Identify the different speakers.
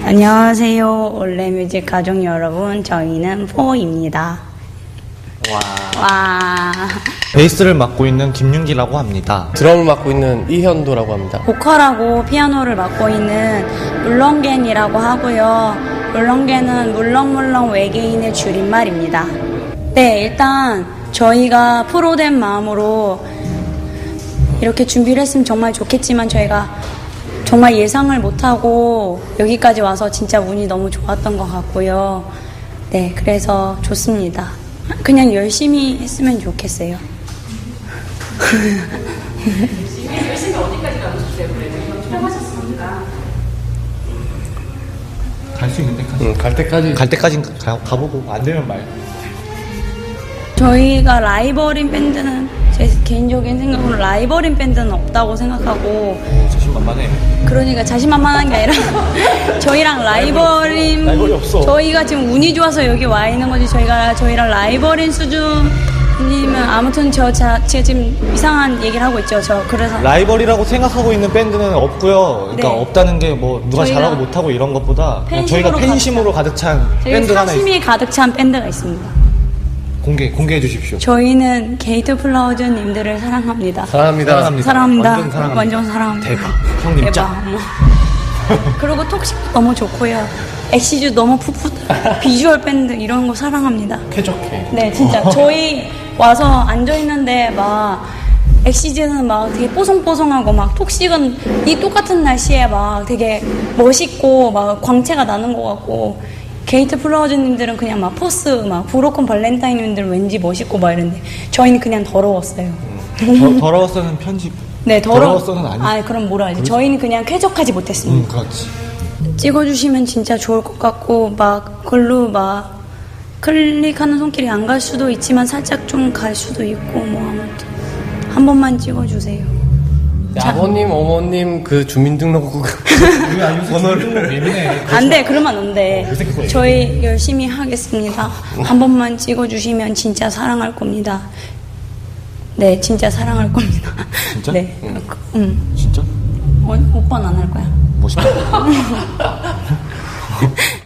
Speaker 1: 안녕하세요. 올레뮤직 가족 여러분. 저희는 포입니다. 와.
Speaker 2: 베이스를 맡고 있는 김윤기라고 합니다.
Speaker 3: 드럼을 맡고 있는 이현도라고 합니다.
Speaker 1: 보컬하고 피아노를 맡고 있는 물렁겐이라고 하고요. 물렁겐은 물렁물렁 외계인의 줄임말입니다. 네, 일단 저희가 프로된 마음으로 이렇게 준비를 했으면 정말 좋겠지만 저희가 정말 예상을 못하고 여기까지 와서 진짜 운이 너무 좋았던 것 같고요. 네, 그래서 좋습니다. 그냥 열심히 했으면 좋겠어요.
Speaker 4: 열심히 어디까지 가보셨어요? 그래도 출연하셨으니까.
Speaker 2: 갈 수 있는 데까지.
Speaker 3: 갈 때까지.
Speaker 2: 갈 때까지 가보고 안 되면 말.
Speaker 1: 저희가 라이벌인 밴드는 제 개인적인 생각으로 라이벌인 밴드는 없다고 생각하고
Speaker 2: 자신만만해.
Speaker 1: 그러니까 자신만만한 게 아니라 저희랑 라이벌이
Speaker 2: 없어.
Speaker 1: 저희가 지금 운이 좋아서 여기 와 있는 거지 저희랑 라이벌인 수준이면 아무튼 제가 지금 이상한 얘기를 하고 있죠. 그래서
Speaker 2: 라이벌이라고 생각하고 있는 밴드는 없고요. 그러니까
Speaker 1: 네.
Speaker 2: 없다는 게 뭐 누가
Speaker 1: 저희가
Speaker 2: 잘하고 못하고 이런 것보다 그냥 저희가
Speaker 1: 팬심으로
Speaker 2: 팬심으로 가득 찬
Speaker 1: 저희
Speaker 2: 밴드가 하나
Speaker 1: 사심이 가득 찬 밴드가 있습니다.
Speaker 2: 공개해 주십시오.
Speaker 1: 저희는 게이트 플라워즈님들을 사랑합니다.
Speaker 3: 사랑합니다.
Speaker 1: 사랑합니다.
Speaker 2: 완전 사랑합니다.
Speaker 1: 완전 사랑합니다.
Speaker 2: 대박. 형님
Speaker 1: 대박.
Speaker 2: 짱.
Speaker 1: 그리고 톡식도 너무 좋고요. 엑시즈 너무 풋풋. 비주얼 밴드 이런 거 사랑합니다.
Speaker 3: 쾌적해.
Speaker 1: 네, 진짜 저희 와서 앉아 있는데 막 엑시즈는 막 되게 뽀송뽀송하고 막 톡식은 이 똑같은 날씨에 막 되게 멋있고 막 광채가 나는 것 같고 게이트 플라워즈님들은 그냥 막 포스 막 브로큰 발렌타인님들은 왠지 멋있고 막 이런데 저희는 그냥 더러웠어요.
Speaker 2: 더러웠어는 편집.
Speaker 1: 네,
Speaker 2: 더러웠어는 아니.
Speaker 1: 아, 그럼 뭐라 하지? 저희는 그냥 쾌적하지 못했습니다.
Speaker 2: 그렇지.
Speaker 1: 찍어주시면 진짜 좋을 것 같고 막 글로 막 클릭하는 손길이 안 갈 수도 있지만 살짝 좀 갈 수도 있고 뭐 아무튼 한 번만 찍어주세요.
Speaker 3: 아버님, 어머님 그 주민등록국 번호를
Speaker 2: 예민해.
Speaker 1: 안 돼, 그러면 안 돼. 저희 열심히 하겠습니다. 한 번만 찍어주시면 진짜 사랑할 겁니다. 네, 진짜 사랑할 겁니다.
Speaker 2: 진짜?
Speaker 1: 네.
Speaker 2: 진짜?
Speaker 1: 오빠는 안 할 거야.
Speaker 2: 멋있다.